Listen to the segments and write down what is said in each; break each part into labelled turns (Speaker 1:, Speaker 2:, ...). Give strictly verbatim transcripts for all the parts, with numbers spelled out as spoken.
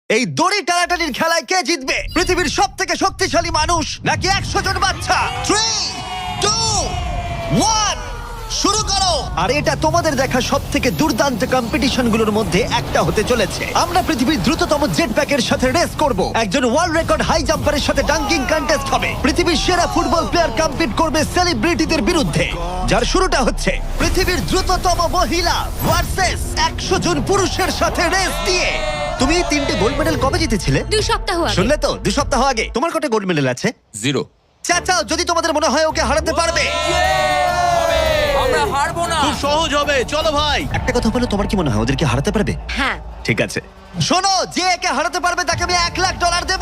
Speaker 1: এই দড়ি টানাটানির খেলায় কে জিতবে? পৃথিবীর সব থেকে শক্তিশালী মানুষ নাকি একশো জন বাচ্চা? থ্রি টু ওয়ান শুরু করো। আর এটা তোমাদের দেখা সব থেকে দুর্দান্ত কম্পিটিশনগুলোর মধ্যে একটা হতে চলেছে। আমরা পৃথিবীর দ্রুততম জেট প্যাকের সাথে রেস করব, একজন ওয়ার্ল্ড রেকর্ড হাই জাম্পারের সাথে ডাঙ্কিং কন্টেস্ট হবে, পৃথিবীর সেরা ফুটবল প্লেয়ার কম্পিট করবে সেলিব্রিটিদের বিরুদ্ধে, যার শুরুটা হচ্ছে পৃথিবীর দ্রুততম মহিলা ভার্সেস একশো জন পুরুষের সাথে রেস দিয়ে। তুমি এই তিনটে গোল্ড মেডেল কবে জিতেছিলে?
Speaker 2: দুই সপ্তাহ আগে।
Speaker 1: শুনলে তো, দু সপ্তাহ আগে। তোমার কটা গোল্ড মেডেল আছে?
Speaker 3: জিরো।
Speaker 1: চাচাও, যদি তোমাদের মনে হয় ওকে হারাতে পারবে।
Speaker 3: আমরা হারবো না।
Speaker 4: খুব সহজ হবে, চলো ভাই।
Speaker 1: একটা কথা বলো, তোমার কি মনে হয় ওদেরকে হারাতে পারবে?
Speaker 2: হ্যাঁ।
Speaker 1: ঠিক আছে, শোনো, যে একে হারাতে পারবে তাকে আমি এক লাখ ডলার দেব।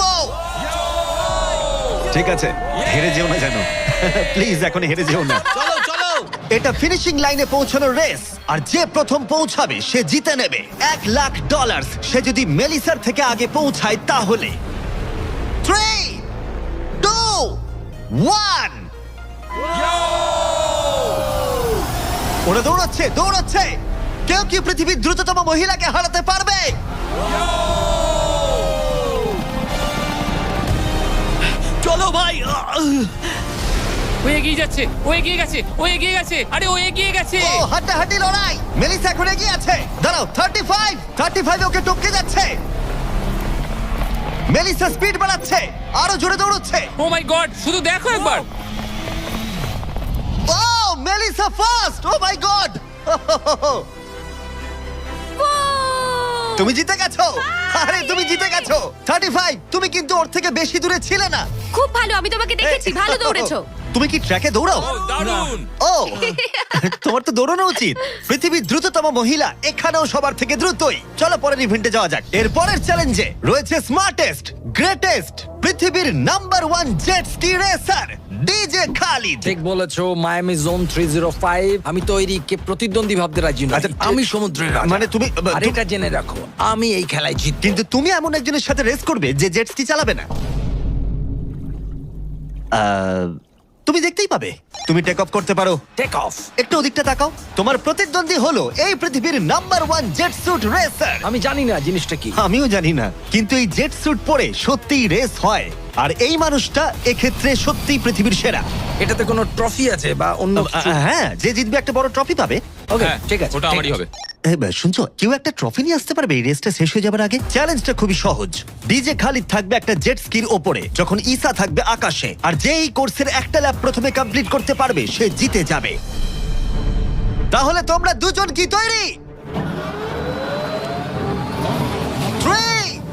Speaker 1: ঠিক আছে, হেরে যেও না জানো, প্লিজ এখন হেরে যেও না।
Speaker 4: চলো চলো।
Speaker 1: এটা ফিনিশিং লাইনে পৌঁছানোর রেস, আর যে প্রথম পৌঁছাবে সে জিতে নেবে এক লাখ ডলার। সে যদি মেলিসার থেকে আগে পৌঁছায় তাহলে থ্রি টু ওয়ান। ওরা দৌড়াচ্ছে দৌড়াচ্ছে। কেউ কি পৃথিবীর দ্রুততম মহিলাকে হারাতে পারবে?
Speaker 4: চলো ভাই।
Speaker 3: ও এগিয়ে যাচ্ছে, ও এগিয়ে গেছে, ও এগিয়ে গেছে, আরে ও এগিয়ে গেছে।
Speaker 1: ও হাড্ডাহাড্ডি লড়াই। মেলিসা এখন এগিয়ে আছে। দাঁড়াও, থার্টি ফাইভ থার্টি ফাইভ ওকে টপকে যাচ্ছে। মেলিসা স্পিড বাড়াচ্ছে, আরো জোরে দৌড়চ্ছে।
Speaker 3: ও মাই গড, শুধু দেখো একবার।
Speaker 1: Oh Melissa first. Oh my God, তুমি জিতে গেছো। আরে তুমি জিতে গেছো। থার্টি ফাইভ, তুমি কিন্তু ওর থেকে বেশি দূরে ছিলে না।
Speaker 2: খুব ভালো, আমি তোমাকে দেখেছি, ভালো দৌড়েছো।
Speaker 1: তুমি কি ট্র্যাকে দৌড়াও?
Speaker 3: ও দারুণ।
Speaker 1: ও তোমার তো দৌড়ানো উচিত। পৃথিবীর দ্রুততম মহিলা এখানেও সবার থেকে দ্রুতই। চলো পরের ইভেন্টে যাওয়া যাক। এর পরের চ্যালেঞ্জে রয়েছে স্মার্টেস্ট গ্রেটেস্ট পৃথিবীর number one jet ski racer DJ Khaled.
Speaker 5: ঠিক বলেছো, Miami zone three zero five. আমি তৈরি, কে প্রতিদ্বন্দ্বী ভাবতে রাজি নই।
Speaker 1: আচ্ছা,
Speaker 5: আমি সমুদ্রের রাজা।
Speaker 1: মানে তুমি
Speaker 5: আর এটা জেনে রাখো, আমি এই খেলায় জিতবো।
Speaker 1: কিন্তু তুমি এমন একজনের সাথে রেস করবে যে জেট স্কি চালাবে না। আহ, তুমি দেখতেই পাবে। তুমি টেক অফ করতে পারো।
Speaker 5: Take off.
Speaker 1: একটু ওদিকটা তাকাও। তোমার প্রতিদ্বন্দ্বী হলো এই পৃথিবীর number one jet suit racer.
Speaker 5: আমি জানি না জিনিসটা কি।
Speaker 1: আমিও জানি না, কিন্তু এই জেট স্যুট পরে সত্যিই রেস হয়। আর এই মানুষটা এক্ষেত্রে সত্যিই পৃথিবীর সেরা।
Speaker 5: এটাতে কোনো ট্রফি আছে বা অন্য কিছু?
Speaker 1: আহ, হ্যাঁ, যে জিতবে একটা বড় ট্রফি পাবে।
Speaker 5: ওকে,
Speaker 3: হ্যাঁ,
Speaker 5: ঠিক আছে,
Speaker 3: ওটা
Speaker 5: ঠিক
Speaker 3: আমারই
Speaker 5: আছে।
Speaker 3: হবে।
Speaker 1: এই বা, শুনছো, কেউ একটা ট্রফি নিয়ে আসতে পারবে এই রেসটা শেষ হয়ে যাবার আগে? চ্যালেঞ্জটা খুবই সহজ। ডিজে খালিদ থাকবে একটা জেট স্কির ওপরে, যখন ঈসা থাকবে আকাশে। আর যে এই কোর্সের একটা ল্যাব প্রথমে কমপ্লিট করতে পারবে সে জিতে যাবে। তাহলে তোমরা দুজন কি তৈরি? থ্রি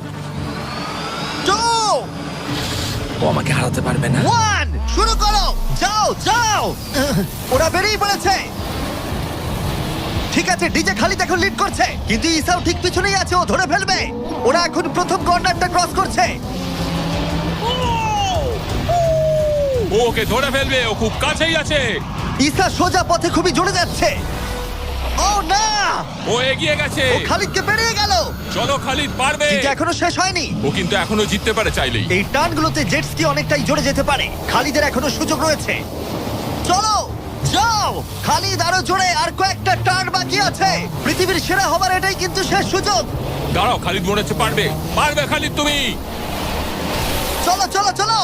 Speaker 1: টু
Speaker 5: ও আমাকে হারাতে পারবে না।
Speaker 1: ওয়ান শুরু করো। যাও যাও। ওরা বেরিয়ে পড়েছে। ঠিক আছে, ডিজে খালিদ এখন লিড করছে, কিন্তু ইসাও ঠিক পিছনেই আছে, ও ধরে ফেলবে। ওরা এখন প্রথম কর্নারটা ক্রস করছে।
Speaker 3: ও ওকে ধরে ফেলবে, ও খুব কাছেই আছে।
Speaker 1: ইসা সোজা পথে খুবই জোরে যাচ্ছে। ও না,
Speaker 3: ও এগিয়ে গেছে।
Speaker 1: ও খালিদকে পেরিয়ে গেল।
Speaker 3: চলো খালিদ, পারবে।
Speaker 1: কিন্তু এখনো শেষ হয়নি।
Speaker 3: ও কিন্তু এখনো জিততে পারে চাইলেই।
Speaker 1: এই টার্নগুলোতে জেট স্কি অনেকটাই জোরে যেতে পারে। খালিদের এখনো সুযোগ রয়েছে। চলো যাও খালিদ, আরো জোরে। আর কয়েকটা টার্ন বাকি আছে। পৃথিবীর সেরা হবার এটাই কিন্তু শেষ সুযোগ।
Speaker 3: দাঁড়াও, খালিদ মনে হচ্ছে পারবে। পারবে খালিদ তুমি।
Speaker 1: চলো চলো চলো।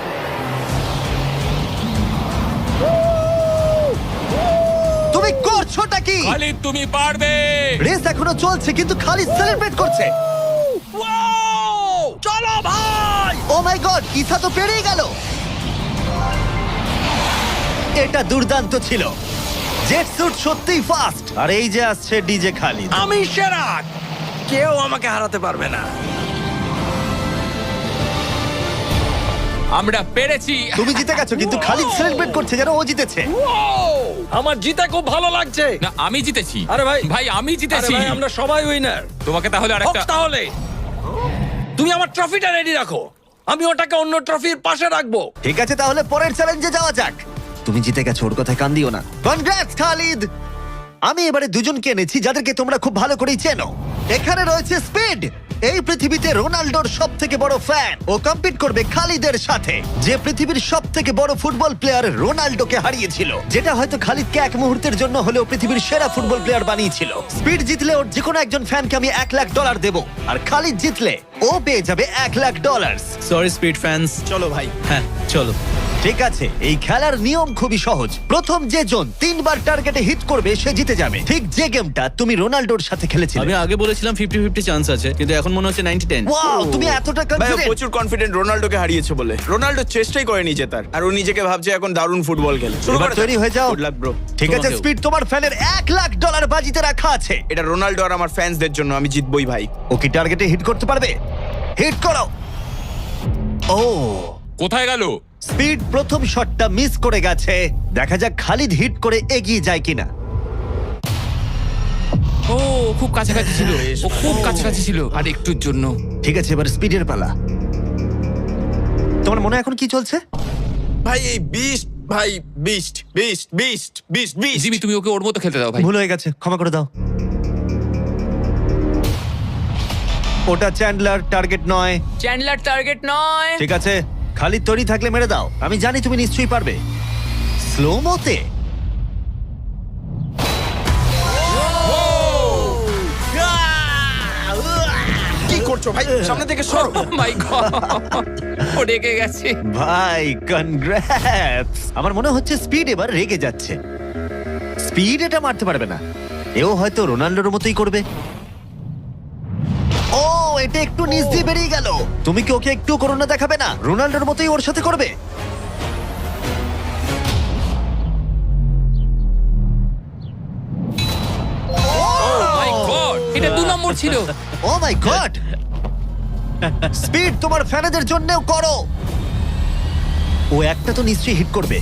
Speaker 1: তুমি করছোটা কি?
Speaker 3: খালিদ তুমি পারবে।
Speaker 1: রেস এখনো চলছে, কিন্তু খালিদ সেলিব্রেট করছে।
Speaker 5: চলো ভাই।
Speaker 1: ও মাই গড, ইসা তো পেরিয়ে গেল। এটা দুর্দান্ত ছিল। জেট স্যুট সত্যিই ফাস্ট। আর এই যে আসছে ডিজে খালিদ।
Speaker 5: আমি সেরা, কেউ আমাকে হারাতে পারবে না।
Speaker 3: আমরা পেরেছি।
Speaker 1: তুমি জিতে গেছো, কিন্তু খালিদ সেলিব্রেট করছে যেন ও জিতেছে।
Speaker 5: আমার জিতে খুব ভালো লাগছে।
Speaker 3: না, আমি জিতেছি।
Speaker 5: আরে ভাই,
Speaker 3: ভাই আমি
Speaker 5: আরে
Speaker 3: জিতেছি।
Speaker 5: ভাই, আমরা সবাই উইনার।
Speaker 3: তোমাকে তাহলে আরেকটা।
Speaker 5: তাহলে তুমি আমার ট্রফিটা রেডি রাখো, আমি ওটাকে অন্য ট্রফির পাশে রাখবো।
Speaker 1: ঠিক আছে, তাহলে পরের চ্যালেঞ্জে যাওয়া যাক। তুমি জিতে গেছো, ওর কথায় কান দিও না। Congrats Khaled. আমি এবারে দুজনকে এনেছি যাদেরকে তোমরা খুব ভালো করেই চেনো। এখানে রয়েছে স্পিড, এই পৃথিবীতে রোনাল্ডোর সব থেকে বড় ফ্যান ও কম্পিট করবে খালিদের সাথে, যে পৃথিবীর সব থেকে বড় ফুটবল প্লেয়ার রোনাল্ডোকে হারিয়েছিল, যেটা হয়তো খালিদকে এক মুহূর্তের জন্য হলেও পৃথিবীর সেরা ফুটবল প্লেয়ার বানিয়েছিল। স্পিড জিতলে ওর যে কোনো একজন ফ্যানকে আমি এক লাখ ডলার দেবো, আর খালিদ জিতলে ও পেয়ে যাবে এক lakh dollar.
Speaker 6: Sorry Speed fans.
Speaker 4: চলো ভাই।
Speaker 6: হ্যাঁ চলো।
Speaker 1: ঠিক আছে, এই খেলার নিয়ম খুবই সহজ। প্রথম যে জন তিনবার টার্গেটে হিট করবে সে জিতে যাবে, ঠিক যে গেমটা তুমি রোনাল্ডোর সাথে খেলেছিলে।
Speaker 6: আমি আগে বলেছিলাম ফিফটি ফিফটি চান্স আছে, কিন্তু এখন মনে হচ্ছে নাইনটি টেন।
Speaker 1: ওয়াও, তুমি এতটা
Speaker 7: ভাই ও
Speaker 1: কনফিডেন্ট।
Speaker 7: প্রচুর কনফিডেন্ট রোনাল্ডোকে হারিয়েছে বলে। রোনাল্ডো চেষ্টাই করেনি জেতার, আর ও নিজেকে ভাবছে এখন দারুণ ফুটবল খেলে। শুরু
Speaker 1: এবার
Speaker 7: করা
Speaker 1: তৈরি হয়ে যাও।
Speaker 7: Good luck bro.
Speaker 1: ঠিক আছে
Speaker 6: তোমাকেও।
Speaker 1: স্পিড, তোমার ফ্যানের এক লাখ ডলার বাজিতে রাখা আছে।
Speaker 7: এটা রোনাল্ডো আর আমার ফ্যান্সদের জন্য, আমি জিতবই ভাই।
Speaker 1: ও কি টার্গেটে হিট করতে পারবে? হিট করো। ও,
Speaker 5: কোথায় গেল?
Speaker 1: স্পিড প্রথম শটটা মিস করে গেছে। দেখা যাক খালিদ হিট করে এগিয়ে যায় কিনা।
Speaker 3: ও খুব কাছাকাছি ছিল, ও খুব কাছাকাছি ছিল আর একটুর জন্য।
Speaker 1: ঠিক আছে, এবার স্পিডের পালা। তোমার মনে এখন কি চলছে?
Speaker 7: ভাই এই বিস্ট, ভাই beast beast beast beast beast.
Speaker 3: Jimmy তুমি ওকে ওর মতো খেলতে দাও ভাই।
Speaker 1: ভুল হয়ে গেছে, ক্ষমা করে দাও। ওটা চ্যান্ডলার, টার্গেট নয়।
Speaker 8: চ্যান্ডলার টার্গেট নয়।
Speaker 1: ঠিক আছে, খালিদ তৈরি থাকলে মেরে দাও। আমি জানি তুমি নিশ্চয়ই পারবে। স্লো মোতে
Speaker 7: কি করছো ভাই? সামনে থেকে সরো।
Speaker 3: মাই গড, ও রেগে গেছে।
Speaker 1: ভাই কনগ্রাটস। আমার মনে হচ্ছে স্পিড এবার রেগে যাচ্ছে। স্পিড এটা মারতে পারবে না, এও হয়তো রোনাল্ডোর মতোই করবে। ও, এটা একটু নিচ দিয়ে বেরিয়ে গেল। তুমি কি ওকে একটু করোনা দেখাবে না? রোনাল্ডোর মতোই ওর সাথে করবে।
Speaker 3: মাই গড, এটা দু নম্বর ছিল।
Speaker 1: ও মাই গড। স্পিড তোমার ফ্যানেদের জন্যও করো। ও একটা তো নিশ্চয়ই হিট করবে।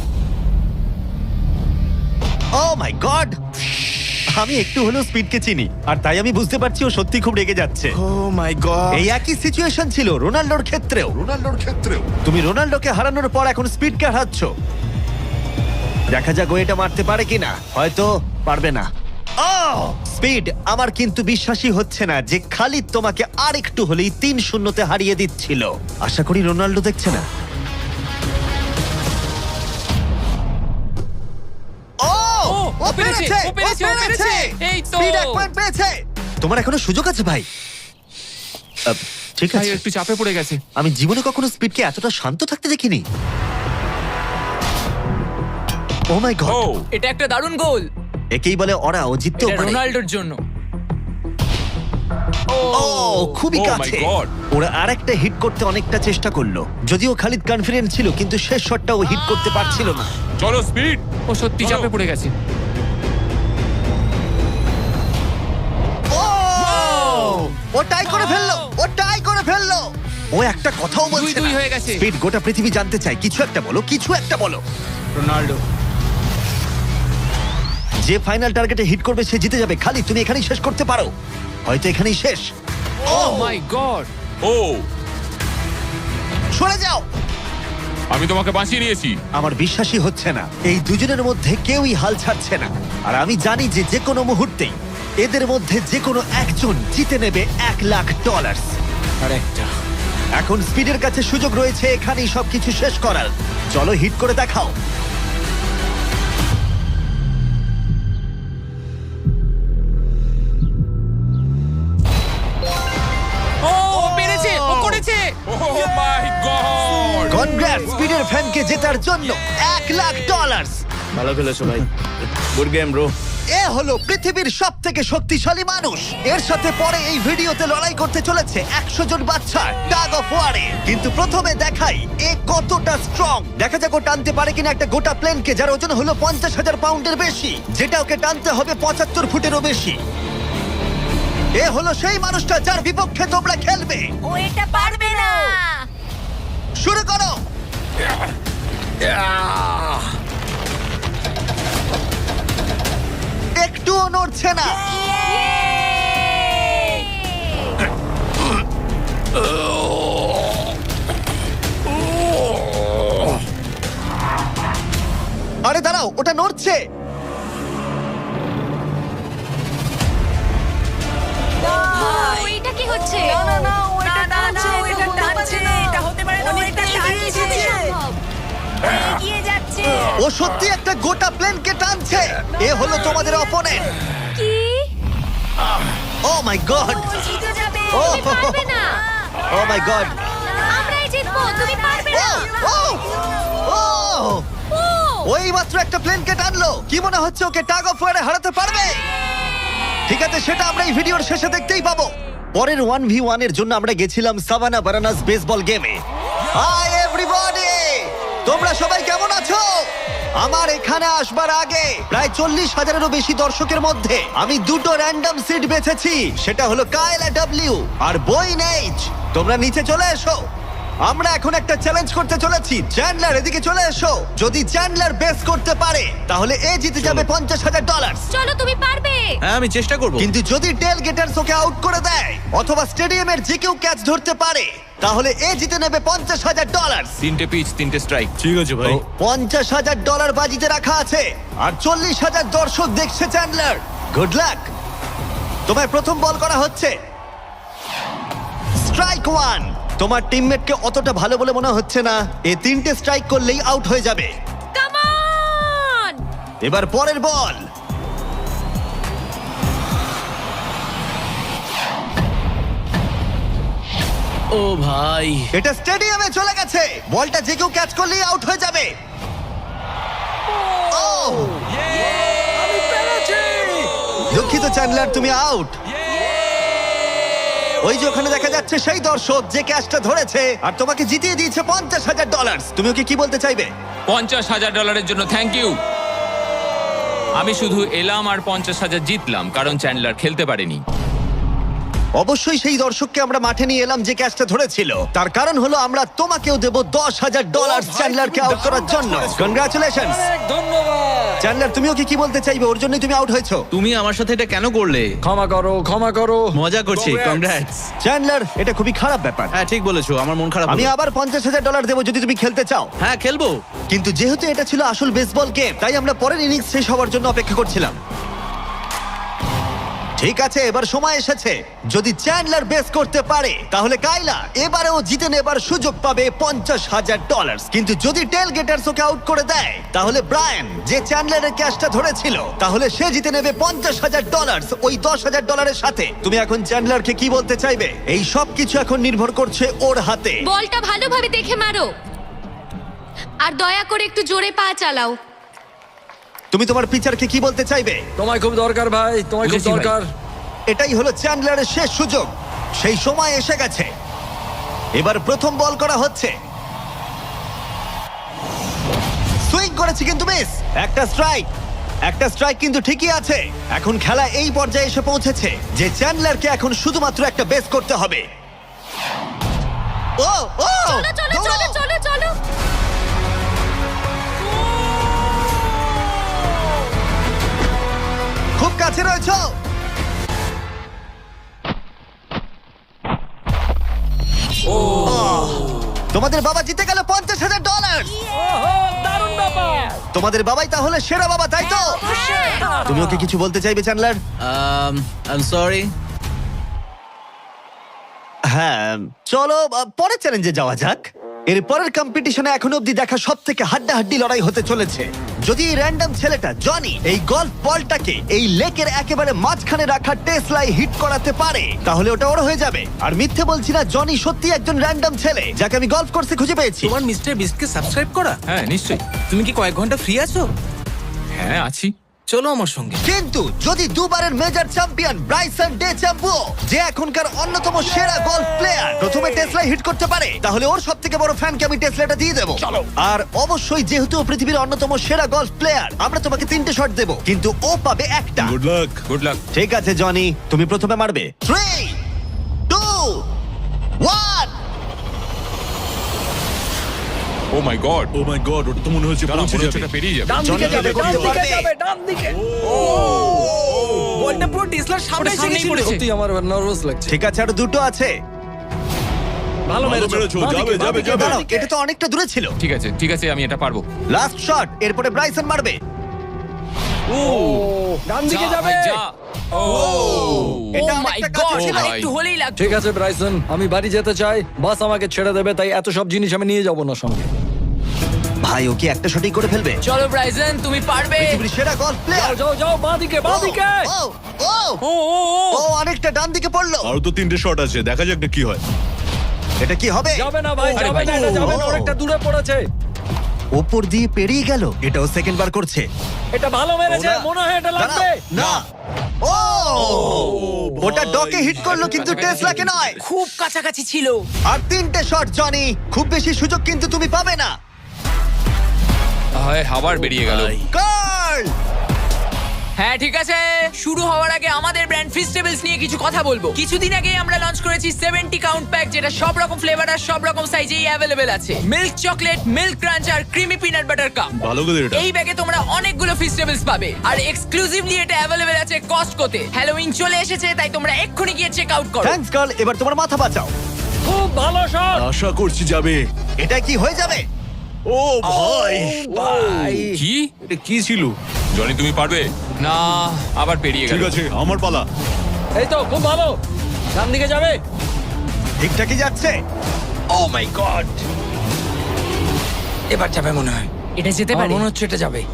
Speaker 1: ও মাই গড, আমি একটু হলেও স্পিডকে চিনি, আর তাই আমি বুঝতে পারছি ও সত্যি খুব রেগে যাচ্ছে।
Speaker 7: Oh my God.
Speaker 1: এই একই সিচুয়েশন ছিল রোনাল্ডোর ক্ষেত্রেও। রোনাল্ডোর ক্ষেত্রেও তুমি রোনাল্ডোকে হারানোর পর এখন স্পিডকে হারাচ্ছ। দেখা যাক ও এটা মারতে পারে কিনা। হয়তো পারবে না। ও স্পিড, আমার কিন্তু বিশ্বাসই হচ্ছে না যে খালিদ তোমাকে আর একটু হলেই তিন শূন্যতে হারিয়ে দিচ্ছিল। আশা করি রোনাল্ডো দেখছে না। ও,
Speaker 3: ও, ও পেরেছে, ও পেরেছে, ও পেরেছে। এই তো।
Speaker 1: স্পিড এক পয়েন্ট পেয়েছে। তোমার এখনো সুযোগ আছে ভাই। আহ, ঠিক
Speaker 3: ভাই
Speaker 1: আছে,
Speaker 3: একটু চাপে পড়ে গেছে।
Speaker 1: আমি জীবনে কখনো স্পিডকে এতটা শান্ত থাকতে দেখিনি। ও মাই গড,
Speaker 8: এটা একটা দারুণ গোল।
Speaker 1: একেই বলে ওরা ও জিততেও
Speaker 8: এটা
Speaker 1: পারে।
Speaker 8: রোনাল্ডোর জন্য।
Speaker 1: ও খুবই
Speaker 5: Oh my
Speaker 1: কাছে।
Speaker 5: God!
Speaker 1: ওরা আরেকটা হিট করতে অনেকটা চেষ্টা করলো, যদিও খালিদ কনফিডেন্ট ছিল, কিন্তু শেষ শটটা ও হিট করতে পারছিল না।
Speaker 5: চলো স্পিড।
Speaker 3: ও সত্যি চাপে পড়ে গেছে।
Speaker 1: ও ও টাই করে ফেললো, ও টাই করে ফেললো। ও একটা কথাও
Speaker 3: দুই
Speaker 1: বলছে
Speaker 3: দুই
Speaker 1: না।
Speaker 3: হয়ে গেছে।
Speaker 1: স্পিড গোটা পৃথিবী জানতে চায়, কিছু একটা বলো, কিছু একটা বলো।
Speaker 7: রোনাল্ডো।
Speaker 1: যে ফাইনাল টার্গেটে হিট করবে সে জিতে যাবে। খালি তুমি এখানেই শেষ করতে পারো, হয়তো এখানেই শেষ।
Speaker 3: ও মাই গড,
Speaker 5: ও,
Speaker 1: সরে যাও।
Speaker 5: আমি তোমাকে বাঁচিয়ে নিয়েছি।
Speaker 1: আমার বিশ্বাসই হচ্ছে না, এই দুজনের মধ্যে কেউই হাল ছাড়ছে না। আর আমি জানি যে যে কোনো মুহূর্তেই এদের মধ্যে যে কোনো একজন জিতে নেবে এক লাখ ডলার।
Speaker 7: আর একটা।
Speaker 1: এখন স্পিডের কাছে সুযোগ রয়েছে এখানেই সবকিছু শেষ করার। চলো হিট করে দেখাও।
Speaker 3: ও ও পেরেছে, ও করেছে।
Speaker 5: ও মাই গড!
Speaker 1: কনগ্রাটস স্পিডের ফ্যানকে জেতার জন্য এক লাখ ডলার।
Speaker 7: ভালো খেলেছো ভাই। Good game bro.
Speaker 1: এ হলো পৃথিবীর সব থেকে শক্তিশালী মানুষ। এর সাথে পরে এই ভিডিওতে লড়াই করতে চলেছে একশো জন বাচ্চা টাগ অফ ওয়ারে। কিন্তু প্রথমে দেখাই এ কতটা স্ট্রং। দেখা যাক ও টানতে পারে কিনা একটা গোটা প্লেনকে, যার ওজন হলো পঞ্চাশ হাজার পাউন্ডের বেশি, যেটা ওকে টানতে হবে পঁচাত্তর ফুটেরও বেশি। এ হলো সেই মানুষটা যার বিপক্ষে তোমরা খেলবে।
Speaker 2: ও এটা পারবে না।
Speaker 1: শুরু করো। একটুও নড়ছে না। আরে দাঁড়াও, ওটা নড়ছে।
Speaker 2: ও, এটা কি হচ্ছে? টানছে
Speaker 8: না না ও এটা টানছে ও এটা টানছে এটা হতে পারে না ও এটা টানছে এগিয়ে যাচ্ছে
Speaker 1: ও সত্যি একটা গোটা প্লেনকে টানছে। এ হলো তোমাদের অপোনেন্ট।
Speaker 2: কি
Speaker 1: ও মাই গড,
Speaker 8: ও জিতে যাবে
Speaker 1: ও
Speaker 2: তুমি পারবে না
Speaker 1: ও মাই গড,
Speaker 2: আমরাই জিতবো তুমি পারবে না
Speaker 1: ও ও
Speaker 2: ও
Speaker 1: ওই মাত্র একটা প্লেনকে টানলো। কি মনে হচ্ছে ওকে টাগ অফ ওয়ারে হারাতে পারবে? ঠিক আছে, সেটা আমরা এই ভিডিওর শেষে দেখতেই পাবো। পরের ওয়ান ভি ওয়ান এর জন্য আমরা গেছিলাম সাভানা বারানাস বেসবল গেমে। হাই এভরিবডি, তোমরা সবাই কেমন আছো? আমার এখানে আসবার আগে প্রায় চল্লিশ হাজারেরও বেশি দর্শকের মধ্যে আমি দুটো র্যান্ডম সিট বেছেছি। সেটা হলো কায়লা ডাব্লিউ আর বইন এইচ। তোমরা নিচে চলে এসো, আমরা এখন একটা চ্যালেঞ্জ করতে চলেছি। চ্যান্ডলার এদিকে চলে এসো। যদি চ্যান্ডলার বেস করতে পারে তাহলে এ জিতে যাবে পঞ্চাশ হাজার ডলার।
Speaker 2: চলো তুমি পারবে
Speaker 6: হ্যাঁ আমি চেষ্টা করব।
Speaker 1: কিন্তু যদি টেল গেটার্স ওকে আউট করে দেয় অথবা স্টেডিয়ামের যে কেউ ক্যাচ ধরতে পারে তাহলে এ জিতে নেবে পঞ্চাশ হাজার ডলার।
Speaker 3: তিনটে পিচ তিনটে স্ট্রাইক
Speaker 6: ঠিক আছে ভাই।
Speaker 1: পঞ্চাশ হাজার ডলার বাজিতে রাখা আছে আর চল্লিশ হাজার দর্শক দেখছে। Chandler, good luck. তোমায় প্রথম বল করা হচ্ছে। Strike one. তোমার টিমমেটকে অতটা ভালো বলে মনে হচ্ছে না। এ তিনটে স্ট্রাইক করলেই আউট হয়ে যাবে।
Speaker 2: কাম অন
Speaker 1: এবার পরের বল।
Speaker 6: ও ভাই,
Speaker 1: এটা স্টেডিয়ামে চলে গেছে। বলটা যে কেউ ক্যাচ করলেই আউট হয়ে যাবে। ও দুঃখিত চ্যান্ডলার, তুমি আউট। ওই যে ওখানে দেখা যাচ্ছে সেই দর্শক যে ক্যাচটা ধরেছে আর তোমাকে জিতিয়ে দিয়েছে পঞ্চাশ হাজার ডলার। তুমি ওকে কি বলতে চাইবে?
Speaker 3: পঞ্চাশ হাজার ডলারের জন্য থ্যাংক ইউ। আমি শুধু এলাম আর পঞ্চাশ হাজার জিতলাম কারণ চ্যান্ডলার খেলতে পারেনি।
Speaker 1: অবশ্যই সেই দর্শককে আমরা মাঠে নিয়ে এলাম যে ক্যাচটা ধরেছিল। তার কারণ হলো আমরা তোমাকেও দেব দশ হাজার ডলার চ্যান্ডলারকে আউট করার জন্য। Congratulation Chandler. তুমি ওকে কি বলতে চাইবে? ওর জন্যই তুমি আউট হয়েছো।
Speaker 6: তুমি আমার সাথে এটা কেন করলে?
Speaker 5: ক্ষমা করো, ক্ষমা করো।
Speaker 6: মজা করছি, কংগ্রাটস।
Speaker 1: চ্যান্ডলার, এটা খুবই খারাপ ব্যাপার।
Speaker 6: হ্যাঁ ঠিক বলেছো, আমার মন খারাপ
Speaker 1: আমি
Speaker 6: হলো।
Speaker 1: আবার পঞ্চাশ হাজার ডলার দেবো যদি তুমি খেলতে চাও।
Speaker 6: হ্যাঁ খেলবো।
Speaker 1: কিন্তু যেহেতু এটা ছিল আসল বেসবল গেম তাই আমরা পরের ইনিংস শেষ হওয়ার জন্য অপেক্ষা করছিলাম। ঠিক আছে, এবার সময় এসেছে। যদি চ্যান্ডলার বেস করতে পারে তাহলে কাইলা এবারেও জিতে নেবার সুযোগ পাবে পঞ্চাশ হাজার ডলার। কিন্তু যদি টেল গেটার্স ওকে আউট করে দেয় তাহলে ব্রায়ান, যে চ্যান্ডলারের ক্যাচটা ধরেছিল, তাহলে সে জিতে নেবে পঞ্চাশ হাজার ডলার ওই দশ হাজার ডলারের সাথে। তুমি এখন চ্যান্ডলারকে কি বলতে চাইবে? এই সব কিছু এখন নির্ভর করছে ওর হাতে।
Speaker 2: বলটা ভালোভাবে দেখে মারো আর দয়া করে একটু জোরে পা চালাও।
Speaker 1: তুমি তোমার পিচারকে কি বলতে চাইবে?
Speaker 5: তোমায় খুব দরকার ভাই, তোমায় খুব
Speaker 3: বুঝেছি ভাই।
Speaker 5: দরকার।
Speaker 1: এটাই হলো চ্যান্ডলারের শেষ সুযোগ। সেই সময় এসে গেছে। এবার প্রথম বল করা হচ্ছে। সুইং করেছে কিন্তু মিস। একটা স্ট্রাইক, একটা স্ট্রাইক কিন্তু ঠিকই আছে। এখন খেলা এই পর্যায়ে এসে পৌঁছেছে যে চ্যান্ডলারকে এখন শুধুমাত্র একটা বেস করতে হবে। ও ও
Speaker 2: চলো চলো চলো চলো চলো
Speaker 1: খুব কাছে রয়েছে। তোমাদের বাবা জিতে গেল পঞ্চাশ হাজার ডলার। তোমাদের বাবাই তাহলে সেরা বাবা, তাই তো? তুমি ওকে কিছু বলতে চাইবে চ্যান্ডলার?
Speaker 6: I am sorry.
Speaker 1: হ্যাঁ, চলো আহ, পরের চ্যালেঞ্জে যাওয়া যাক। এর পরের কম্পিটিশনে এখনো অব্দি দেখা সব থেকে হাড্ডাহাড্ডি লড়াই হতে চলেছে। যদি এই র্যান্ডম ছেলেটা জনি এই গল্ফ বলটাকে এই লেকের একেবারে মাঝখানে রাখা টেসলাই হিট করাতে পারে তাহলে ওটা ওর হয়ে যাবে। আর মিথ্যে বলছি না, জনি সত্যি একজন র্যান্ডম ছেলে যাকে আমি গল্ফ কোর্সে খুঁজে পেয়েছি।
Speaker 6: তোমার মিস্টার বিস্টকে সাবস্ক্রাইব করা?
Speaker 3: হ্যাঁ নিশ্চয়ই।
Speaker 6: তুমি কি কয়েক ঘন্টা ফ্রি আছো?
Speaker 3: হ্যাঁ আছি।
Speaker 6: চলো আমার সঙ্গে।
Speaker 1: কিন্তু যদি দুবারের major champion Bryson DeChambeau, যে এখনকার অন্যতম সেরা গলফ প্লেয়ার, প্রথমে টেসলা হিট করতে পারে তাহলে ওর সব থেকে বড় ফ্যানকে আমি টেসলাটা দিয়ে দেবো। আর অবশ্যই যেহেতু ও পৃথিবীর অন্যতম সেরা গলফ প্লেয়ার, আমরা তোমাকে তিনটে শট দেবো কিন্তু ও পাবে একটা।
Speaker 5: Good luck.
Speaker 3: Good luck.
Speaker 1: ঠিক আছে জনি, তুমি প্রথমে মারবে। Three two one.
Speaker 3: Oh my God.
Speaker 5: Oh my God, ওটা তো মনে হচ্ছে পৌঁছে যাবে।
Speaker 3: পেরিয়ে যাবে।
Speaker 5: ডান দিকে
Speaker 1: জনি
Speaker 5: যাবে,
Speaker 1: করতে
Speaker 5: ডান দিকে
Speaker 1: পারবে।
Speaker 5: যাবে, ডান দিকে।
Speaker 6: বলটা পুরো টেসলার সামনে
Speaker 3: ওটা
Speaker 6: এসে
Speaker 3: সামনেই
Speaker 6: গেছিল।
Speaker 3: পড়েছে।
Speaker 5: সত্যি আমার নার্ভাস লাগছে।
Speaker 1: ঠিক আছে, আর দুটো আছে।
Speaker 5: ভালো মেরেছো, যাবে যাবে যাবে।
Speaker 1: দাঁড়াও, এটা তো অনেকটা দূরে ছিল।
Speaker 3: ঠিক আছে ঠিক আছে, আমি এটা পারবো।
Speaker 1: লাস্ট শট, এরপরে ব্রাইসন মারবে।
Speaker 5: ও ডান দিকে
Speaker 3: যা
Speaker 5: যাবে।
Speaker 3: ভাই, যা। ও
Speaker 1: এটা
Speaker 8: ও মাই
Speaker 1: অনেকটা
Speaker 8: গড
Speaker 1: কাছে ছিল।
Speaker 3: ভাই।
Speaker 8: একটু হলেই লাগতো।
Speaker 5: ঠিক আছে ব্রাইসন, আমি বাড়ি যেতে চাই, বাস আমাকে ছেড়ে দেবে, তাই এত সব জিনিস আমি নিয়ে যাব না সঙ্গে।
Speaker 1: ভাই ও কি একটা শটই করে ফেলবে?
Speaker 8: চলো ব্রাইসন, তুমি পারবে।
Speaker 1: পৃথিবীর সেরা গলফ
Speaker 5: যাও
Speaker 1: প্লেয়ার।
Speaker 5: যাও যাও, বাঁ দিকে বাঁ দিকে।
Speaker 1: ও ও
Speaker 5: ও ও ও
Speaker 1: ও অনেকটা ডান দিকে পড়লো।
Speaker 9: আরো তো তিনটে শট আছে, দেখা যাক না কি হয়।
Speaker 1: এটা কি হবে?
Speaker 5: যাবে না ভাই,
Speaker 3: আরে
Speaker 5: যাবে
Speaker 3: ভাই।
Speaker 5: না, এটা যাবে না,
Speaker 1: ও।
Speaker 5: অনেকটা দূরে পড়েছে।
Speaker 1: ওপর দিয়ে পেরিয়ে গেল। এটাও সেকেন্ড বার করছে।
Speaker 5: এটা ভালো মেরেছে,
Speaker 1: ও না।
Speaker 5: মনে হয় এটা লাগবে।
Speaker 1: দাঁড়াও, না ও ওটা ডকে হিট করলো কিন্তু টেসলাকে নয়।
Speaker 8: খুব কাছাকাছি ছিল।
Speaker 1: আর তিনটে শট জনি, খুব বেশি সুযোগ কিন্তু তুমি পাবে না।
Speaker 3: হয় আবার বেরিয়ে গেল।
Speaker 1: কার্ল
Speaker 8: হ্যাঁ ঠিক আছে, শুরু হওয়ার আগে আমাদের ব্র্যান্ড ফিস্টেবলস নিয়ে কিছু কথা বলবো। কিছুদিন আগে আমরা লঞ্চ করেছি সেভেন্টি কাউন্ট প্যাক, যেটা সব রকম ফ্লেভার আর সব রকম সাইজেই অ্যাভেলেবেল আছে। মিল্ক চকলেট, মিল্ক ক্রাঞ্চ আর ক্রিমি পিনাট বাটার কাপ।
Speaker 9: ভালো করে এটা
Speaker 8: এই ব্যাগে তোমরা অনেকগুলো ফিস্টেবলস পাবে আর এক্সক্লুসিভলি এটা অ্যাভেলেবেল আছে কস্টকোতে। হ্যালোউইন চলে এসেছে, তাই তোমরা এক্ষুনি গিয়ে চেক আউট করো।
Speaker 1: থ্যাঙ্কস কার্ল, এবার তোমার মাথা বাঁচাও।
Speaker 5: খুব ভালো শট।
Speaker 9: আশা করছি যাবে।
Speaker 1: এটা কি হয়ে যাবে?
Speaker 9: ও ভাই,
Speaker 5: ভাই
Speaker 3: কি
Speaker 9: এটা কি ছিল?
Speaker 3: জনি তুমি পারবে না, আবার পেরিয়ে গেল।
Speaker 9: ঠিক আছে, আমার পালা।
Speaker 5: এই তো খুব ভালো, ডান দিকে যাবে।
Speaker 1: ঠিকঠাকই যাচ্ছে।
Speaker 5: ও মাই গড, এবার যাবে মনে হয়।
Speaker 8: এটা যেতে
Speaker 5: আমার
Speaker 8: পারে।
Speaker 5: মনে হচ্ছে এটা যাবে।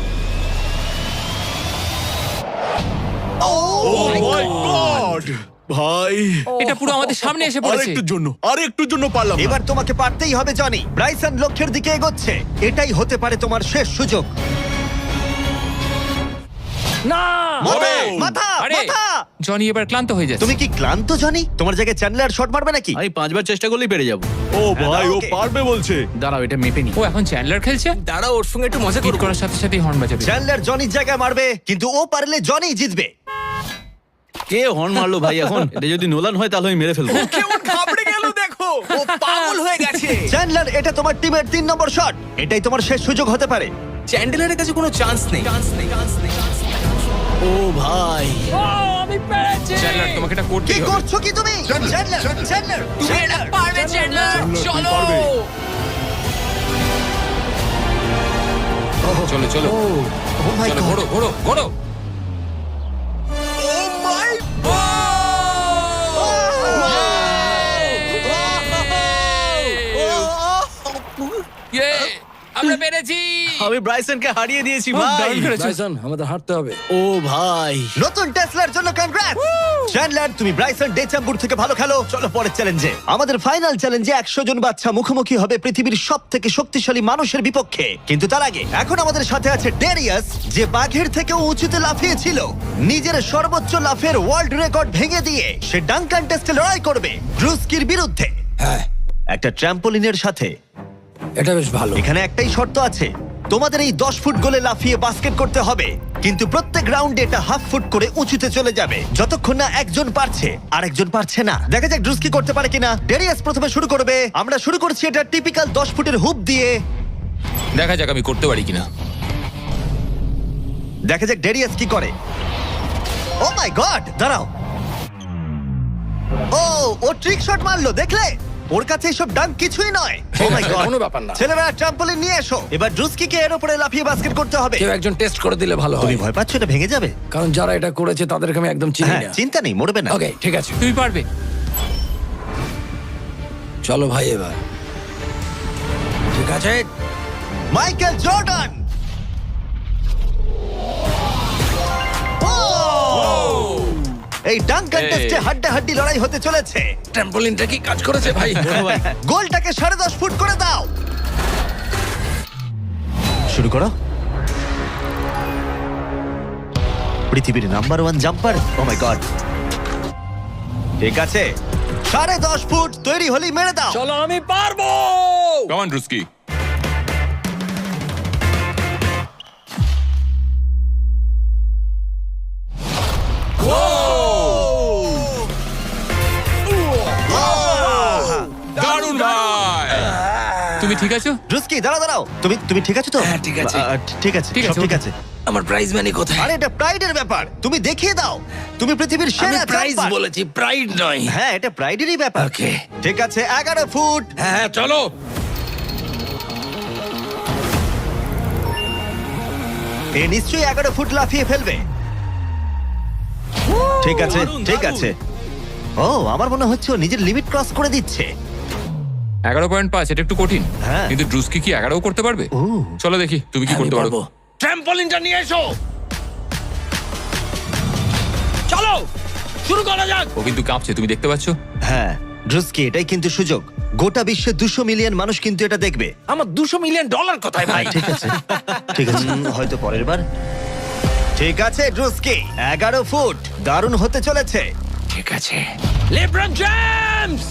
Speaker 9: ও মাই গড ভাই,
Speaker 3: এটা পুরো আমাদের সামনে এসে
Speaker 9: আর
Speaker 3: পড়েছে।
Speaker 9: একটুর জন্য, আর একটুর জন্য পারলাম না।
Speaker 1: এবার তোমাকে পারতেই হবে জনি। ব্রাইসন লক্ষ্যের দিকে এগোচ্ছে। এটাই হতে পারে তোমার শেষ সুযোগ।
Speaker 5: না
Speaker 1: মাথা,
Speaker 9: ও!
Speaker 1: মাথা,
Speaker 3: আরে
Speaker 1: মাথা।
Speaker 3: জনি এবার ক্লান্ত হয়ে যাচ্ছে।
Speaker 1: তুমি কি ক্লান্ত জনি? তোমার জায়গায় চ্যান্ডলার শট মারবে নাকি?
Speaker 7: আমি পাঁচবার চেষ্টা করলেই পেরে যাবো।
Speaker 9: ও ভাই, ও
Speaker 1: ওকে।
Speaker 9: পারবে বলছে।
Speaker 7: দাঁড়াও, এটা মেপে নি।
Speaker 3: ও এখন চ্যান্ডলার খেলছে,
Speaker 6: দাঁড়াও, ওর সঙ্গে একটু মজা
Speaker 3: হিট
Speaker 6: করবো।
Speaker 3: করার সাথে সাথে হর্ন বাজাবে।
Speaker 1: চ্যান্ডলার জনির জায়গায় মারবে, কিন্তু ও পারলে জনি জিতবে।
Speaker 7: কে হর্ন মারলো ভাই এখন? এটা যদি নোলান হয় তাহলে আমি মেরে ফেলবো।
Speaker 6: কেমন ঘাবড়ে গেল দেখো, ও পাগল হয়ে গেছে।
Speaker 1: চ্যান্ডলার, এটা তোমার টিমের তিন নম্বর শট। এটাই তোমার শেষ সুযোগ হতে পারে।
Speaker 6: চ্যান্ডেলারের কাছে কোনো চান্স নেই।
Speaker 7: ও ভাই,
Speaker 5: ও, আমি পেরেছি।
Speaker 3: চ্যান্ডলার তোমাকে এটা
Speaker 1: কি
Speaker 3: করতেই হবে।
Speaker 1: করছো কি তুমি? চ্যান্ডলার, চ্যান্ডলার,
Speaker 8: তুমি এটা
Speaker 1: চ্যান্ডলার।
Speaker 8: পারবে চ্যান্ডলার, চলো।
Speaker 3: চলো চলো
Speaker 1: ও মাই
Speaker 3: চলো,
Speaker 1: গড।
Speaker 3: ঘোরো ঘোরো ঘোরো। ইয়ে, আমরা পেরেছি।
Speaker 7: আমি ব্রাইসনকে হারিয়ে দিয়েছি
Speaker 3: ও,
Speaker 7: ভাই।
Speaker 3: দারুণ করেছো।
Speaker 5: ব্রাইসন, আমাদের হাঁটতে হবে।
Speaker 7: ও ভাই,
Speaker 1: নতুন টেসলার জন্য কনগ্রাটস। চ্যান্ডলার, তুমি ব্রাইসন ডেচাম্বুর থেকে ভালো খেলো। চলো পরের চ্যালেঞ্জে। আমাদের ফাইনাল চ্যালেঞ্জে একশো জন বাচ্চা মুখোমুখি হবে পৃথিবীর সব থেকে শক্তিশালী মানুষের বিপক্ষে। কিন্তু তার আগে এখন আমাদের সাথে আছে ডেরিয়াস, যে বাঘের থেকেও উঁচুতে লাফিয়েছিল। নিজের সর্বোচ্চ লাফের ওয়ার্ল্ড রেকর্ড ভেঙে দিয়ে সে ডাঙ্কান টেস্টে লড়াই করবে ব্রুস্কির বিরুদ্ধে।
Speaker 5: হ্যাঁ,
Speaker 1: একটা ট্র্যাম্পোলিনের সাথে।
Speaker 5: এটা বেশ ভালো।
Speaker 1: এখানে একটাই শর্ত আছে, তোমাদের এই দশ ফুট গোলে লাফিয়ে বাস্কেট করতে হবে, কিন্তু প্রত্যেক রাউন্ডে এটা হাফ ফুট করে উঁচুতে চলে যাবে, যতক্ষণ না একজন পারছে আর একজন পারছে না। দেখা যাক ড্রুস কি করতে পারে কিনা। ডেরিয়াস প্রথমে শুরু করবে। আমরা শুরু করছি এটা টিপিক্যাল দশ ফুটের হুপ দিয়ে।
Speaker 3: দেখা যাক আমি করতে পারি কিনা।
Speaker 1: দেখা যাক ডেরিয়াস কি করে। ও মাই গড, দাঁড়াও। ও ও ট্রিক শট মারলো, দেখলে? ওর কাছে এসব ডাঙ্ক কিছুই নয়। ও মাই গড,
Speaker 5: কোনো ব্যাপার না।
Speaker 1: ছেলেরা ট্রাম্পলিন নিয়ে এসো। এবার ড্রুস্কিকে এর উপরে লাফিয়ে বাস্কেট করতে হবে।
Speaker 5: কেউ একজন টেস্ট করে দিলে ভালো
Speaker 1: তুমি
Speaker 5: হয়,
Speaker 1: ভয় পাচ্ছ এটা ভেঙে যাবে?
Speaker 5: কারণ যারা এটা করেছে তাদেরকে আমি একদম চিনি
Speaker 1: হ্যাঁ,
Speaker 5: না।
Speaker 1: চিন্তা নেই, মরবে না।
Speaker 5: ওকে, ঠিক আছে,
Speaker 3: তুমি পারবে।
Speaker 5: চলো ভাই এবার। ঠিক আছে,
Speaker 1: মাইকেল জর্ডান। ও! এই ডাঙ্ক কন্টেস্টে
Speaker 3: এই।
Speaker 1: হাড্ডাহাড্ডি লড়াই হতে চলেছে।
Speaker 5: ট্র্যাম্পোলিনটা কি কাজ করেছে ভাই?
Speaker 1: গোলটাকে সাড়ে দশ ফুট করে দাও। শুরু করো। পৃথিবীর number one jumper. Oh my God, ঠিক আছে, সাড়ে দশ ফুট তৈরি হলেই মেরে দাও।
Speaker 5: চলো, আমি পারবো।
Speaker 3: Come on Druski. দারুণ ভাই। তুমি ঠিক আছো?
Speaker 1: রুস্কি, দাঁড়াও দাঁড়াও, তুমি তুমি ঠিক আছো তো?
Speaker 5: হ্যাঁ, ঠিক আছে।
Speaker 1: আহ, ঠিক আছে,
Speaker 3: ঠিক
Speaker 1: সব
Speaker 3: আছে,
Speaker 1: ঠিক
Speaker 3: ওকে।
Speaker 1: আছে।
Speaker 5: আমার প্রাইজ মানি কোথায়?
Speaker 1: আরে এটা প্রাইডের ব্যাপার, তুমি দেখিয়ে দাও। তুমি পৃথিবীর
Speaker 5: আমি
Speaker 1: সেরা
Speaker 5: প্রাইজ
Speaker 1: জাম্পার।
Speaker 5: বলেছি, প্রাইড নয়।
Speaker 1: হ্যাঁ, এটা প্রাইডেরই ব্যাপার।
Speaker 5: ওকে।
Speaker 1: ঠিক আছে, এগারো ফুট।
Speaker 5: হ্যাঁ হ্যাঁ, চলো।
Speaker 1: এ নিশ্চয়ই এগারো ফুট লাফিয়ে ফেলবে। ঠিক আছে ঠিক আছে ও আমার মনে হচ্ছে ও নিজের লিমিট ক্রস করে দিচ্ছে।
Speaker 3: এগারো পয়েন্ট পাঁচ, এটা একটু কঠিন।
Speaker 1: হ্যাঁ।
Speaker 3: কিন্তু ড্রুস্কি কি এগারো করতে পারবে?
Speaker 1: ও।
Speaker 3: চলো দেখি তুমি কি করতে পারো।
Speaker 5: ট্র্যাম্পলিনটা নিয়ে এসো। চলো শুরু করা যাক।
Speaker 3: ও কিন্তু কাঁপছে, তুমি দেখতে পাচ্ছ?
Speaker 1: হ্যাঁ ড্রুস্কি, এটাই কিন্তু সুযোগ। গোটা বিশ্বে দুশো মিলিয়ন মানুষ কিন্তু এটা দেখবে।
Speaker 5: আমার দুশো মিলিয়ন ডলার কোথায় ভাই?
Speaker 1: ঠিক আছে ঠিক আছে উম, হয়তো পরের বার। ঠিক আছে ড্রুস্কি, এগারো ফুট, দারুণ হতে চলেছে।
Speaker 5: ঠিক আছে লেব্রন জেমস।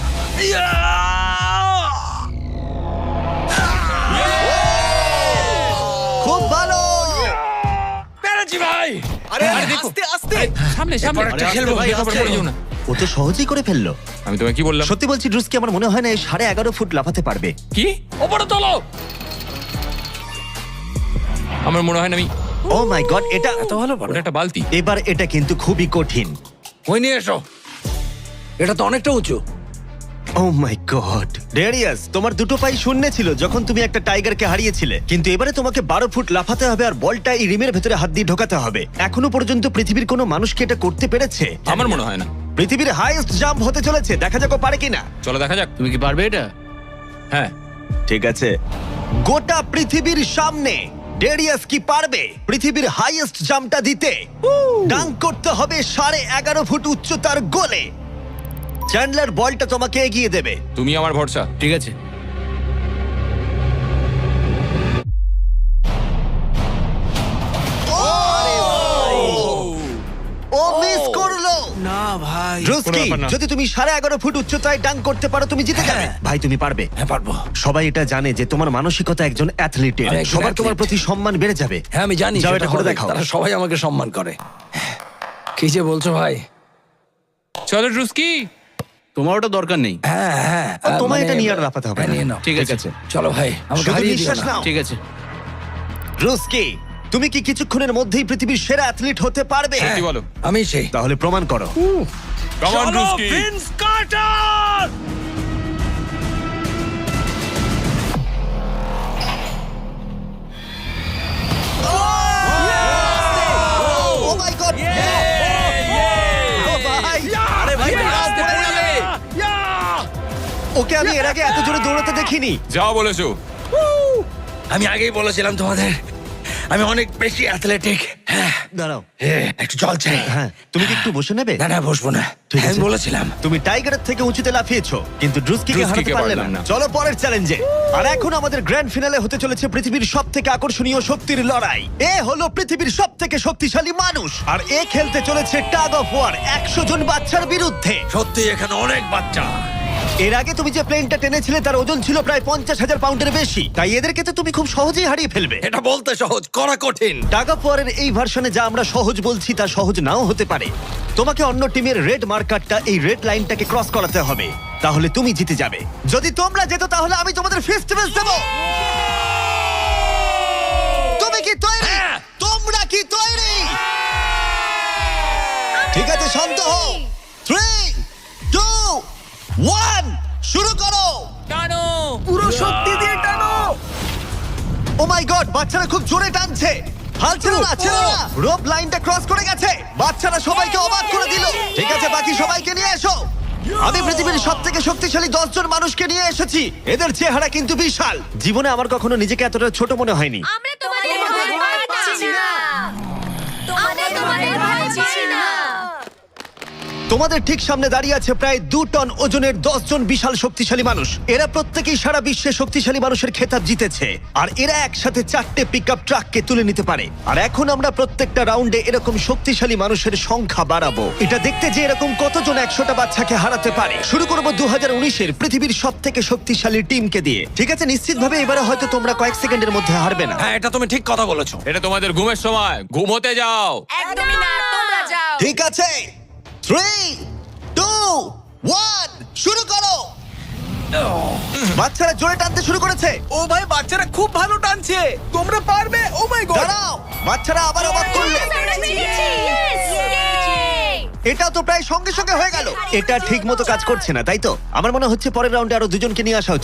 Speaker 1: খুব ভালো।
Speaker 5: পেরেছি ভাই।
Speaker 7: আরে
Speaker 3: আরে দেখো।
Speaker 7: আস্তে আস্তে
Speaker 3: সামনে সামনে
Speaker 5: এরপর একটা খেলবো, ভাই,
Speaker 3: দেখো,
Speaker 5: আস্তে।
Speaker 3: পড়ে যেও না।
Speaker 1: ও তো সহজেই করে ফেললো।
Speaker 3: আমি তোমায় কি বললাম?
Speaker 1: সত্যি বলছি ড্রুস্কি, আমার মনে হয় না এই সাড়ে এগারো ফুট লাফাতে পারবে।
Speaker 3: কি?
Speaker 5: ওপরে তোলো।
Speaker 3: আমার মনে হয় না আমি।
Speaker 1: ও মাই গড, এটা
Speaker 5: এত ভালো পারো।
Speaker 3: ওটা একটা বালতি।
Speaker 1: এবার এটা কিন্তু খুবই কঠিন।
Speaker 5: ওই নিয়ে এসো। এটা তো অনেকটা উঁচু।
Speaker 1: ও মাই গড ডেরিয়াস, তোমার দুটো পাই শূন্য ছিল যখন তুমি একটা টাইগারকে হারিয়েছিলে, কিন্তু এবারে তোমাকে বারো ফুট লাফাতে হবে আর বলটা এই রিমের ভেতরে হাত দিয়ে ঢোকাতে হবে। এখনো পর্যন্ত পৃথিবীর কোনো মানুষকে এটা করতে পেরেছে?
Speaker 3: আমার মনে হয় না।
Speaker 1: পৃথিবীর হাইয়েস্ট জাম্প হতে চলেছে, দেখা যাক ও পারে কিনা।
Speaker 3: চলো দেখা যাক।
Speaker 5: তুমি কি পারবে এটা?
Speaker 3: হ্যাঁ।
Speaker 1: ঠিক আছে, গোটা পৃথিবীর সামনে ডেরিয়াস কি পারবে পৃথিবীর হাইয়েস্ট জাম্পটা দিতে? ডাঙ্ক করতে হবে সাড়ে এগারো ফুট উচ্চতার গোলে। চ্যান্ডলার বলটা তোমাকে এগিয়ে দেবে।
Speaker 3: তুমি আমার ভরসা।
Speaker 5: ঠিক আছে।
Speaker 1: ও মিস করলো।
Speaker 7: না ভাই
Speaker 1: ড্রুস্কি,
Speaker 3: কোনো ব্যাপার না।
Speaker 1: যদি তুমি সাড়ে এগারো ফুট উচ্চতায় ডাঙ্ক করতে পারো তুমি জিতে যাবে। ভাই তুমি পারবে।
Speaker 5: হ্যাঁ পারবো।
Speaker 1: সবাই এটা জানে যে তোমার মানসিকতা একজন অ্যাথলিটের।
Speaker 5: আমি একজন
Speaker 1: সবার তোমার
Speaker 5: athlete।
Speaker 1: প্রতি সম্মান বেড়ে যাবে।
Speaker 5: হ্যাঁ আমি জানি।
Speaker 1: যাও
Speaker 5: সেটা
Speaker 1: এটা করে
Speaker 5: হবে।
Speaker 1: দেখাও।
Speaker 5: তারা সবাই আমাকে সম্মান করে। কি যে বলছো ভাই?
Speaker 3: চলো ড্রুস্কি।
Speaker 9: তোমার ওটা দরকার নেই।
Speaker 5: হ্যাঁ হ্যাঁ
Speaker 1: ও, তোমায়
Speaker 5: মানে-
Speaker 1: এটা নিয়ে আর লাফাতে হবে
Speaker 5: হ্যাঁ,
Speaker 1: না।
Speaker 5: নিয়ে নাও।
Speaker 9: ঠিক আছে।
Speaker 5: চলো ভাই আমাকে
Speaker 1: শুধু
Speaker 5: হারিয়ে দিও
Speaker 1: নিঃশ্বাস
Speaker 5: না।
Speaker 1: নাও।
Speaker 9: ঠিক আছে।
Speaker 1: ড্রুস্কি, তুমি কি কিছুক্ষণের মধ্যেই পৃথিবীর সেরা অ্যাথলিট হতে পারবে?
Speaker 3: কি বলো?
Speaker 5: আমি সেই।
Speaker 1: তাহলে প্রমাণ করো।
Speaker 3: Come on Druski.
Speaker 5: Vince Carter.
Speaker 1: Oh my God, ও ভাই,
Speaker 5: আরে ভাই
Speaker 3: আস্তে পড়ে যাবে।
Speaker 1: ওকে আমি এর আগে এত জোরে দৌড়াতে দেখিনি।
Speaker 3: যাও বলেছো।
Speaker 5: আমি আগেই বলেছিলাম তোমাদের আমি অনেক বেশি অ্যাথলেটিক। হ্যাঁ
Speaker 1: দাঁড়াও,
Speaker 5: হ্যাঁ, একটু জল চাই।
Speaker 1: হ্যাঁ তুমি কি একটু বসে নেবে?
Speaker 5: না না বসবো না।
Speaker 1: ঠিক
Speaker 5: আমি
Speaker 1: আছে।
Speaker 5: বলেছিলাম।
Speaker 1: তুমি টাইগারের থেকে উঁচুতে লাফিয়েছো, কিন্তু ড্রুস্কিকে
Speaker 3: ড্রুস্কিকে
Speaker 1: হারাতে পারলে
Speaker 3: পারলাম
Speaker 1: না।
Speaker 3: না।
Speaker 1: চলো পরের চ্যালেঞ্জে। আর এখন আমাদের গ্র্যান্ড ফিনালে হতে চলেছে পৃথিবীর সব থেকে আকর্ষণীয় শক্তির লড়াই। এ হলো পৃথিবীর সব থেকে শক্তিশালী মানুষ, আর এ খেলতে চলেছে টাগ অফ ওয়ার একশো জন বাচ্চার বিরুদ্ধে।
Speaker 5: সত্যি এখানে অনেক বাচ্চা।
Speaker 1: এর আগে তুমি যে প্লেনটা টেনেছিলে তার ওজন ছিল প্রায় পঞ্চাশ হাজার পাউন্ডের বেশি, তাই এদেরকে তো তুমি খুব সহজেই হারিয়ে ফেলবে।
Speaker 5: এটা বলতে সহজ, করা কঠিন।
Speaker 1: টাগ অফ ওয়ারের এই ভার্সনে যা আমরা সহজ বলছি তা সহজ নাও হতে পারে। তোমাকে অন্য টিমের রেড মার্কারটা এই রেড লাইনটাকে ক্রস করাতে হবে, তাহলে তুমি জিতে যাবে। যদি তোমরা যেত তাহলে আমি তোমাদের ফেস্টিভ্যাল দেব। তুমি কি তৈরি? তোমরা কি তৈরি? ঠিক আছে, শান্ত হও। থ্রি টু ওয়ান, শুরু করো।
Speaker 3: টানো।
Speaker 7: পুরো শক্তি দিয়ে টানো।
Speaker 1: ও মাই গড, বাচ্চারা খুব জোরে টানছে। হাল ছেড়ো না, ছেড়ো না। রোপ লাইনটা ক্রস করে গেছে। বাচ্চারা সবাইকে অবাক করে দিল। ঠিক আছে, বাকি সবাইকে নিয়ে এসো। আমি পৃথিবীর সব থেকে শক্তিশালী দশ জন মানুষকে নিয়ে এসেছি। এদের চেহারা কিন্তু বিশাল। জীবনে আমার কখনো নিজেকে এতটা ছোট মনে হয়নি।
Speaker 2: আমরা তোমাদের ভয় পাচ্ছি না। আমরা তোমাদের ভয় পাচ্ছি না।
Speaker 1: তোমাদের ঠিক সামনে দাঁড়িয়ে আছে প্রায় দু টন ওজনের দশ জন বিশাল শক্তিশালী মানুষ। এরা প্রত্যেকেই সারা বিশ্বে শক্তিশালী মানুষের খেতাব জিতেছে, আর এরা একসাথে চারটে পিকআপ ট্রাককে তুলে নিতে পারে। আর এখন আমরা প্রত্যেকটা রাউন্ডে এরকম শক্তিশালী মানুষের সংখ্যা বাড়াবো, এটা দেখতে যে এরকম কতজন একশোটা বাচ্চাকে হারাতে পারে। শুরু করবো দু হাজার উনিশের পৃথিবীর সব থেকে শক্তিশালী টিমকে দিয়ে। ঠিক আছে, নিশ্চিতভাবে এবারে হয়তো তোমরা কয়েক সেকেন্ডের মধ্যে হারবে না।
Speaker 5: হ্যাঁ এটা তুমি ঠিক কথা বলেছো।
Speaker 3: এটা তোমাদের ঘুমের সময়, ঘুমোতে যাও।
Speaker 2: একদমই না, তোমরা যাও।
Speaker 1: ঠিক আছে, থ্রি টু ওয়ান, শুরু করো। বাচ্চারা জোরে টানতে শুরু করেছে।
Speaker 7: ও ভাই বাচ্চারা খুব ভালো টানছে। তোমরা পারবে। Oh my God.
Speaker 1: দাঁড়াও, বাচ্চারা আবার অবাক করলো।
Speaker 2: আমরা পেরেছি। Yes! Yay!
Speaker 1: এটা তো প্রায় সঙ্গে সঙ্গে হয়ে গেল। এটা ঠিক মতো কাজ করছে না, তাই তো? আমার মনে হচ্ছে পরের রাউন্ডে আরো দুজনকে নিয়ে আসা উচিত।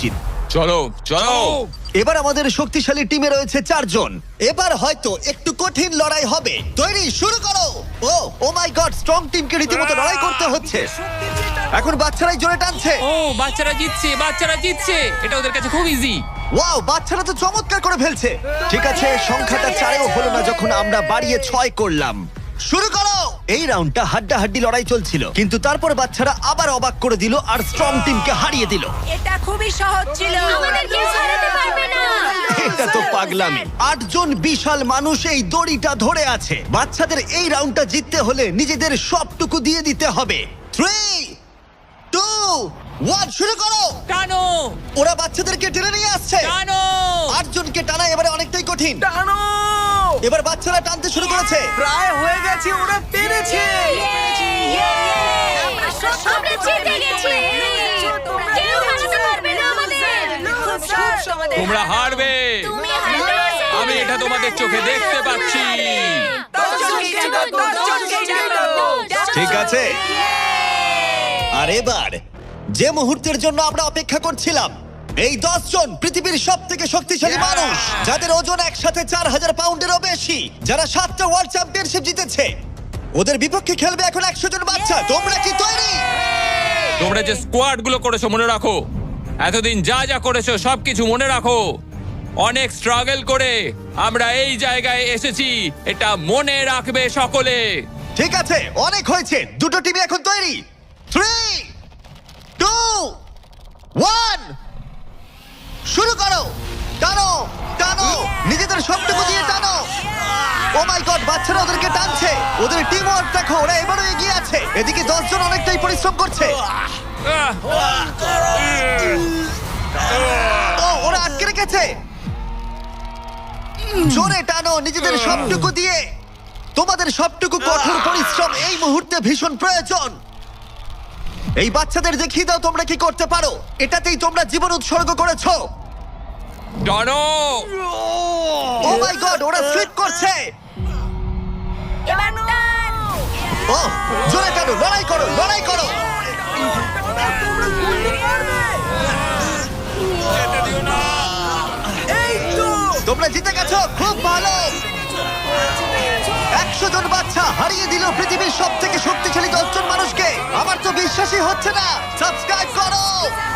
Speaker 3: চলো চলো
Speaker 1: এবার আমাদের শক্তিশালী টিমে রয়েছে চারজন। এবার হয়তো একটু কঠিন লড়াই হবে। তৈরি, শুরু করো। ও ও মাই গড, স্ট্রং টিমকে রীতিমতো লড়াই করতে হচ্ছে। এখন বাচ্চারাই জোরে টানছে।
Speaker 3: ও বাচ্চারা জিতছে বাচ্চারা জিতছে এটা ওদের কাছে খুব ইজি।
Speaker 1: ওয়াও, বাচ্চারা তো চমৎকার করে ফেলছে। ঠিক আছে, সংখ্যাটা চারেও হলো না যখন আমরা বাড়িয়ে ছয় করলাম। শুরু করো। এই রাউন্ডটা হাড্ডাহাড্ডি লড়াই চলছিল, কিন্তু তারপর বাচ্চারা আবার অবাক করে দিল আর স্ট্রং টিমকে হারিয়ে দিল।
Speaker 2: এটা খুবই সহজ ছিল। আমাদের কেউ হারাতে পারবে না।
Speaker 1: এটা তো পাগলামি। আটজন বিশাল মানুষ এই দড়িটা ধরে আছে। বাচ্চাদের এই রাউন্ডটা জিততে হলে নিজেদের সবটুকু দিয়ে দিতে হবে। থ্রি, টু, ওয়ান, শুরু করো।
Speaker 8: টানো
Speaker 1: ওরা বাচ্চাদেরকে টেনে নিয়ে আসছে।
Speaker 8: টানো
Speaker 1: আটজনকে টানা এবারে অনেকটাই কঠিন।
Speaker 7: টানো!
Speaker 1: এবার বাচ্চারা টানতে শুরু করেছে।
Speaker 7: প্রায় হয়ে গেছে, ওরা পেরেছে।
Speaker 2: আমরা সব জিতে গেছি। কেউ হারাতে পারবে না আমাদের। খুব সহজ আমাদের।
Speaker 3: তোমরা হারবে,
Speaker 2: তুমি হারবে।
Speaker 3: আমি এটা তোমাদের চোখে দেখতে পাচ্ছি।
Speaker 1: ঠিক আছে, আর এবার যে মুহূর্তের জন্য আমরা অপেক্ষা করছিলাম, এই দশ জন পৃথিবীর সব থেকে শক্তিশালী মানুষ, যাদের ওজন একসাথে চার হাজার পাউন্ডেরও বেশি, যারা সাতটা ওয়ার্ল্ড চ্যাম্পিয়নশিপ জিতেছে, ওদের বিপক্ষে খেলবে এখন একশো জন বাচ্চা। তোমরা কি তৈরি?
Speaker 3: তোমরা যে স্কোয়াড গুলো করেছো মনে রাখো, এতদিন যা যা করেছো সবকিছু মনে রাখো। অনেক স্ট্রাগল করে আমরা এই জায়গায় এসেছি, এটা মনে রাখবে সকলে।
Speaker 1: ঠিক আছে, অনেক হয়েছে। দুটো টিমই এখন তৈরি। থ্রি, টু, ওয়ান, শুরু করো। টানো টানো, নিজেদের সবটুকু দিয়ে টানো। ও মাই গড, বাচ্চারা ওদেরকে টানছে। ওদের টিম ওয়ার্ক দেখো, ওরা এবারও এগিয়ে আছে। এদিকে দশজন অনেকটাই পরিশ্রম করছে।
Speaker 3: আহ!
Speaker 1: ও, ওরা আটকে রেখেছে। জোরে টানো নিজেদের সবটুকু দিয়ে। তোমাদের সবটুকু কঠোর পরিশ্রম এই মুহূর্তে ভীষণ প্রয়োজন। এই বাচ্চাদের দেখিয়ে দাও তোমরা কি করতে পারো। এটাতেই তোমরা জীবন উৎসর্গ করেছো।
Speaker 3: টানো!
Speaker 1: ও মাই গড, ওরা স্লিপ করছে।
Speaker 2: এবার টান।
Speaker 1: ও, জোরে টানো, লড়াই করো, লড়াই করো। তোমরা জিতে গেছো, খুব ভালো। একশো জন বাচ্চা হারিয়ে দিল পৃথিবীর সব থেকে শক্তিশালী দশজন মানুষকে। আমার তো বিশ্বাসই হচ্ছে না। সাবস্ক্রাইব করো।